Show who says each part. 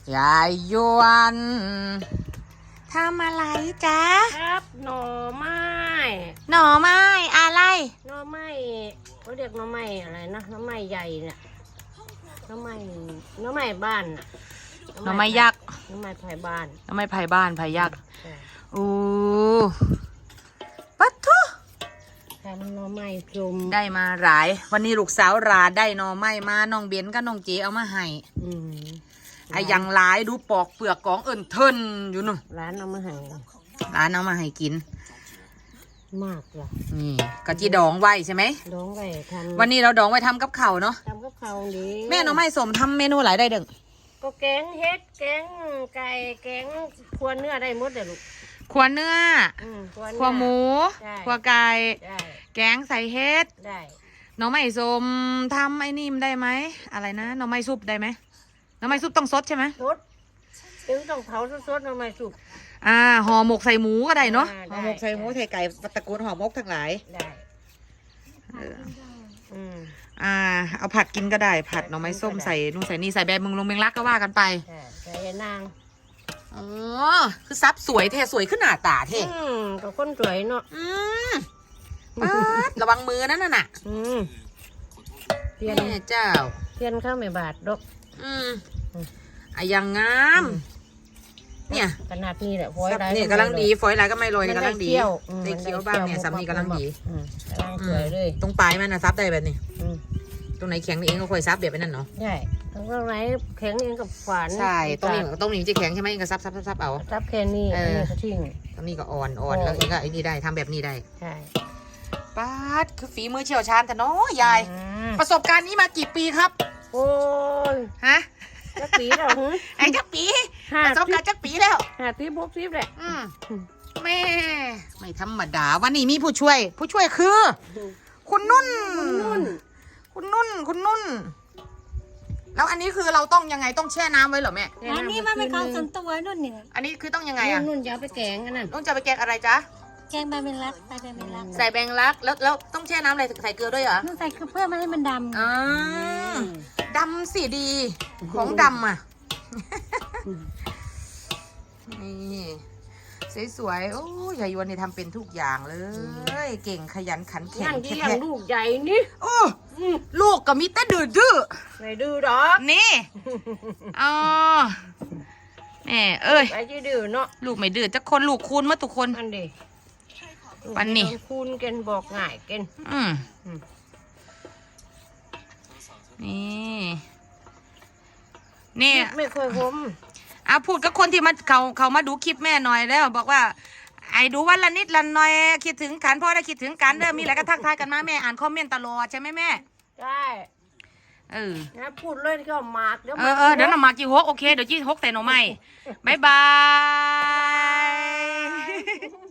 Speaker 1: ยายยวนทำอะไรจ๊ะ
Speaker 2: ครับหน่อไม้
Speaker 1: หน่อไม้อะไร
Speaker 2: หน่อไม้เขาเรียกหน่อไม้อะไรนะหน่อไม้ใหญ่เนี่ยหน่อไม้บ้านน่ะ
Speaker 1: หน่อไม้ยักษ์
Speaker 2: หน่อไม้ไผ่บ้าน
Speaker 1: หน่อไม้ไผ่บ้านไผ่ยักษ์โอ้ปัดทุ
Speaker 2: ทำหน่อไม้จุ่ม
Speaker 1: ได้มาหลายวันนี้ลูกสาวราได้หน่อไม้มาน้องเบนกับน้องเจเอามาให้ไอ้ยังหลายดูปอกเปลือกกองเอิญเทินอยู่นู่น
Speaker 2: ร้านเอามาให้
Speaker 1: ร้านเอามาให้กิน
Speaker 2: มากเลย
Speaker 1: นี่กะจีดองไว้ใช่ไหม
Speaker 2: ดองไว้ทำ
Speaker 1: วันนี้เราดองไว้ทำกับข้าวเนาะ
Speaker 2: ทำกับข้าวดี
Speaker 1: แม่หน่อไม้สมทำเมนูหลายได้เด้ง
Speaker 2: ก็แกงเฮ็ดแกงไก่แกงขัวเนื้อได้หมดเลยลูก
Speaker 1: ขัวเนื้อขัวหมูขัวไก่แกงใส่เฮ็ด
Speaker 2: ได้
Speaker 1: หน่อไม้สมทำไอ้นี่ได้ไหมอะไรนะหน่อไม้ซุปได้ไหมหน่อไม้ซุปต้องสดใช่ไหม
Speaker 2: สดถึงต้องเผาสดๆหน่อไม้ซุป
Speaker 1: ห่อหมกใส่หมูก็ได้เนาะห่อหมกใส่หมูใส่ไก่ตระกูลห่อหมกทั้งหลาย
Speaker 2: ได้
Speaker 1: เอาผัดกินก็ได้ผัดหน่อไม้ส้มใส่นู่นใส่นี่ใส่แบบมึงลงเมงลักก็ว่ากันไป
Speaker 2: ใส่นาง
Speaker 1: อ๋อคือซับสวยเท่สวยขึ้นหน้าตาเท่
Speaker 2: กับคนสวยเนาะ
Speaker 1: ระวังมือนั่นน่ะ
Speaker 2: เทียน
Speaker 1: เจ้า
Speaker 2: เทียนข้าวไม่บาดดอก
Speaker 1: ยังงามเนี่ย
Speaker 2: ขนาดนี้แหละฝอยไร
Speaker 1: เนี่ยกำลังดีฝอยไรก็ไม่โรยกำลังดีได้เคี้ยวบ้างเนี่ยสำนีกำลังดี
Speaker 2: กำลังสวยเลย
Speaker 1: ตรงปลายมันนะซับได้แบบนี้ตรงไหนแข็งนี่เองก็ค่อยซับแบบนั้นเนาะ
Speaker 2: ใช่ตรงไหนแข็งเองกับขวาน
Speaker 1: ใช่ตรงนี้จะแข็งใช่ไหมเองก็ซับเอา
Speaker 2: ซับแค่นี้ก็ทิ้ง
Speaker 1: ตรงนี้ก็อ่อนแล้วเองก็ไอ้นี่ได้ทำแบบนี้ได้
Speaker 2: ใช่
Speaker 1: ป้าดคือฝีมือเชี่ยวชาญแต่น้อยยายประสบการณ์นี้มากี่ปีครับ
Speaker 2: โอ้ย
Speaker 1: ฮะ
Speaker 2: จักปีแล้ว
Speaker 1: ไอ้จักปีประสบการณ์จักปีแล้ว
Speaker 2: 50-60แหละ
Speaker 1: แม่ไม่ธรรมดาวันนี้มีผู้ช่วยคือคุณนุ่นแล้วอันนี้คือเราต้องยังไงต้องแช่น้ำไว้เหรอแม่
Speaker 3: อันนี้มันเป็นของส่วนตัวนุ่นเนี่ย
Speaker 1: อันนี้คือต้องยังไงอ่ะ
Speaker 2: นุ่นจะเอาไปแกงกันนั่น
Speaker 1: นุ่นจะไปแกงอะไรจ๊ะ
Speaker 3: แกงใบเมลักใส่ใบเมลัก
Speaker 1: ใส่แบงลักแล้วต้องแช่น้ำอะไรใส่เกลือด้วยเหรอ
Speaker 3: นุ่นใส่เพื่อไม่ให้มันด
Speaker 1: ำดำสีดีของดำอ่ะนี่สวยๆโอ้ยายวนนี่ทำเป็นทุกอย่างเลยเก่งขยันขันแข็ง
Speaker 2: ที่เลี้ยงลูกใหญ่นี่
Speaker 1: ลูกก็มีแต่ดื้อ
Speaker 2: ไม่ดื้อหรอ
Speaker 1: นี่แม่
Speaker 2: ไปที่ดื้อเนาะ
Speaker 1: ลูกไม่ดื้อจะคนลูกคูณมาทุกคน
Speaker 2: อันดี
Speaker 1: ปันนี่
Speaker 2: คูณกันบอกง่ายกัน
Speaker 1: นี่
Speaker 2: ไม่เคยผม
Speaker 1: พูดกับคนที่มาเขามาดูคลิปแม่หน่อยแล้วบอกว่าไอ้ดูวันละนิดละหน่อยคิดถึงกันพ่อได้คิดถึงกันเด้อมีอะไรก็ทักทายกันมาแม่อ่านคอมเมนต์ตลอดใช่ไหมแม่
Speaker 2: ใช่นะพูดเลยก็หมาก
Speaker 1: เดี๋ยวหน่อหมากจีฮกโอเคเดี๋ยวจีฮกใส่หน่อไม้บายบาย